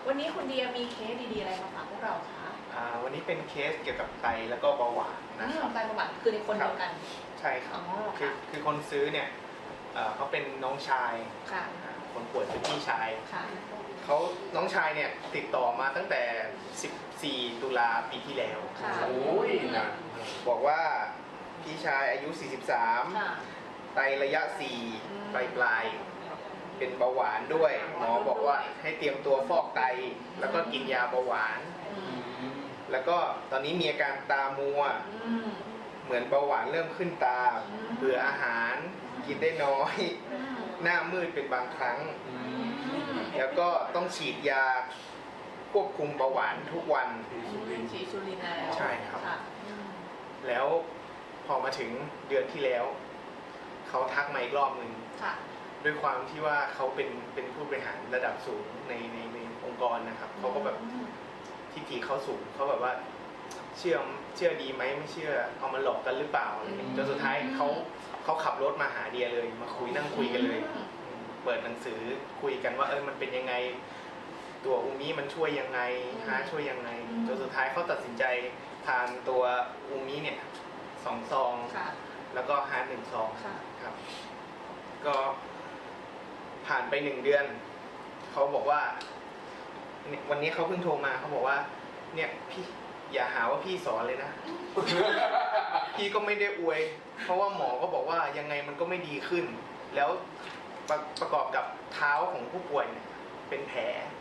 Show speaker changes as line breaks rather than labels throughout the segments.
วันนี้คุณเดียมีเคสดีๆอะไรมาฝากพวกเราคะ
วันนี้เป็นเคสเกี่ยวกับไตแล้วก็เบาหวานนะครับ
ไตประวัติคือในคนเดียวกัน
ใช่ครับคือคนซื้อเนี่ยเขาเป็นน้องชายคนป่วยเป็นพี่ชายเขาน้องชายเนี่ยติดต่อมาตั้งแต่14 ตุลาปีที่แล้ว
โอ้ยนะ
บอกว่าพี่ชายอายุ43ไตระยะ4ปลายเป็นเบาหวานด้วยหมอบอกว่าให้เตรียมตัวฟอกไตแล้วก็กินยาเบาหวานแล้วก็ตอนนี้มีอาการตามัวเหมือนเบาหวานเริ่มขึ้นตาเบื่ออาหารกินได้น้อยหน้ามืดเป็นบางครั้งแล้วก็ต้องฉีดยาควบคุมเบาหวานทุกวัน
ฉีดซูลินแล้ว
ใช่ครับแล้วพอมาถึงเดือนที่แล้วเขาทักมาอีกรอบหนึ่งด้วยความที่ว่าเขาเป็นผู้บริหารระดับสูงในองค์กรนะครับเขาก็แบบทิฐิเขาสูงเขาแบบว่าเชื่อดีไหมไม่เชื่อเอามาหลอกกันหรือเปล่าจนสุดท้ายเขาขับรถมาหาเดียเลยมานั่งคุยกันเลยเปิดหนังสือคุยกันว่ามันเป็นยังไงตัวอูมิมันช่วยยังไงช่วยยังไงจนสุดท้ายเขาตัดสินใจทานตัวอูมิเนี่ย2 ซองแล้วก็1 ซองครับก็ผ่านไป1 เดือนเขาบอกว่าวันนี้เขาเพิ่งโทรมาเขาบอกว่าเนี่ยพี่อย่าหาว่าพี่สอนเลยนะ พี่ก็ไม่ได้อวยเพราะว่าหมอก็บอกว่ายังไงมันก็ไม่ดีขึ้นแล้วประกอบกับเท้าของผู้ป่วยเนี่ยเป็นแผล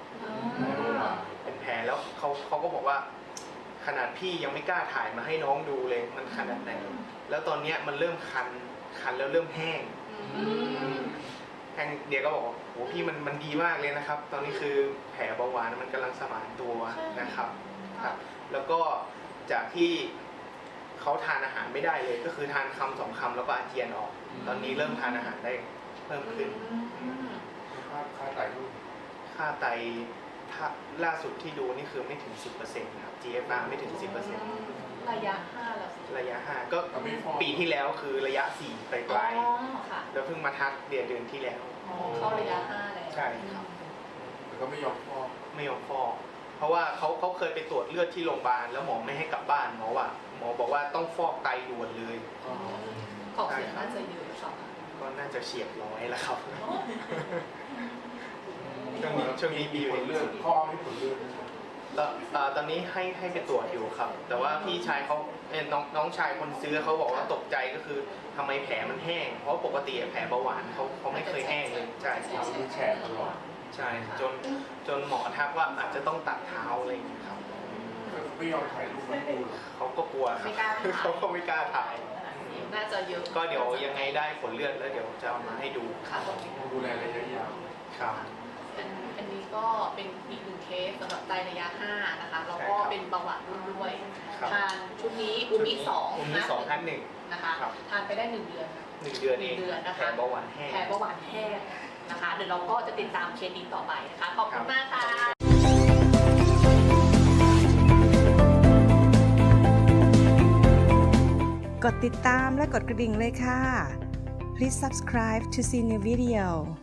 แล้วเขาก็บอกว่าขนาดพี่ยังไม่กล้าถ่ายมาให้น้องดูเลยมันขนาดไหนแล้วตอนนี้มันเริ่มคันแล้วเริ่มแห้งเดียก็บอกว่าโหพี่มันดีมากเลยนะครับตอนนี้คือแผลเบาหวานมันกำลังสมานตัวนะครับแล้วก็จากที่เขาทานอาหารไม่ได้เลยก็คือทานคำ2 คำแล้วก็อาเจียนออกตอนนี้เริ่มทานอาหารได้เพิ่มขึ้น
ค่าไต
ถ้าล่าสุดที่ดูนี่คือไม่ถึง 10% ครับ GFR ไม่ถึง 10%
ระยะ5แล้ว
ระยะ5ก็ปีที่แล้วคือระยะ4ปลายแล้วเพิ่งมาทักเดือนที่แล้ว
เข้าระยะ5แล้ว
ใช่ครับ
แต่ก็ไม่ยอมฟ
อกเพราะว่าเขาเคยไปตรวจเลือดที่โรงพยาบาลแล้วหมอไม่ให้กลับบ้านหมอบอกว่าต้องฟอกไตด่วนเลย
ของเสียน่าจะเยอะ
ก็น่าจะเฉียด100แล้วครับช่วงนี้มี
ผลเลือดข้อให้ผลเลือด
ตอนนี้ให้ไปตรวจอยู่ครับแต่ว่าพี่ชายเขาน้องชายคนซื้อเขาบอกว่าตกใจก็คือทำไมแผลมันแห้งเพราะปกติแผลเบาหวานเขาไม่เคยแห้งเลยใช่
มีแฉะตลอด
ใช่จนหมอทักว่าอาจจะต้องตัดเท้าอะไรอย่างนี้ครับ
ไม่ยอมถ่ายรูปมันดู
เขาก็กลัวเขาก็ไม่กล้าถ่าย
น่าจะเยอะ
ก็เดี๋ยวยังไงได้ผลเลือดแล้วเดี๋ยวจะเอามาให้ดู
ดูแลระยะยาว
ครับ
อันนี้ก็เป็นอีก1 เคสสำหรับไตระยะ5นะคะแล้วก็เป็นเบาหวานด้วยทานชุดนี้อูมิ2
นะท่าน1
นะคะทานไปได้1 เดือน
1 เดือนเอง
นะคะ
แผลเบาหวานแห้
งนะคะเดี๋ยวเราก็จะติดตามเคสนี้ต่อไปนะคะขอบคุณมากค่ะ
กดติดตามและกดกระดิ่งเลยค่ะ Please subscribe to see new video